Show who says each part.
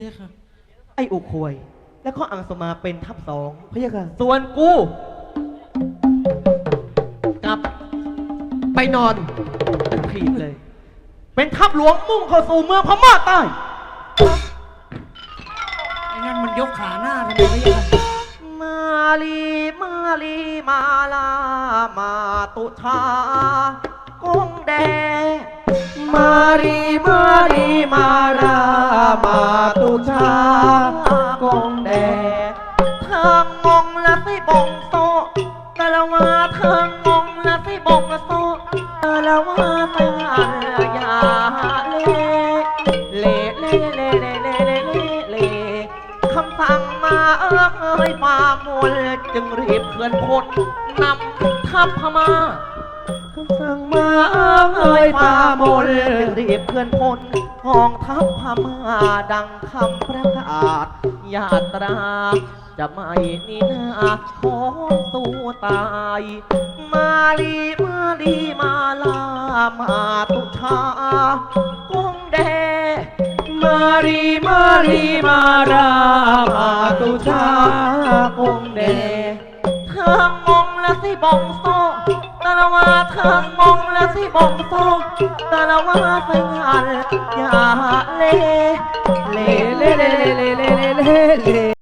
Speaker 1: พี่ค่ะ
Speaker 2: ไอ้อุควย แล้วก็อังสมาเป็นทัพสอง
Speaker 3: พะยะค่ะ
Speaker 2: ส่วนกูกลับ
Speaker 3: ไปนอน
Speaker 2: เป็นทีมเลย เป็นทัพหลวงมุ่งเข้าสู่เมืองพม่าใต้
Speaker 1: ไอ้นั่นมันยกขาหน้าทำไมพี่ค่ะ
Speaker 2: มาลีมาลีมาลามาตุชากงแด
Speaker 3: มารีมารีมารามาตุชากงแด
Speaker 2: เธองงและสิบงโซกะละว่าเธองงและสิบงโซกะละว่าเธอยาเล่เล่เล่เล่เล่เล่เล่เล่คำสั่งมาเอ้ยฟ้ามนจึงรีบเคลื่อนพลนำทัพพม่า
Speaker 3: คำสั่งมาเอ่ยฟ้ามน
Speaker 2: รีบเคลื่อนพลกองทัพพม่าดังคำประกาศญาตรา จะไม่นีนาของสู้ตาย มาลีมาลีมาลามาตุชากงแด
Speaker 3: มารีมารีมารามาตุชากงแด
Speaker 2: เธองงและสิบงโซตะละว่าเธองงและสิบงโซตะละว่าเธองานอย่าเล่เล่
Speaker 3: เล่เล่เล่เล่เล่เล่เล่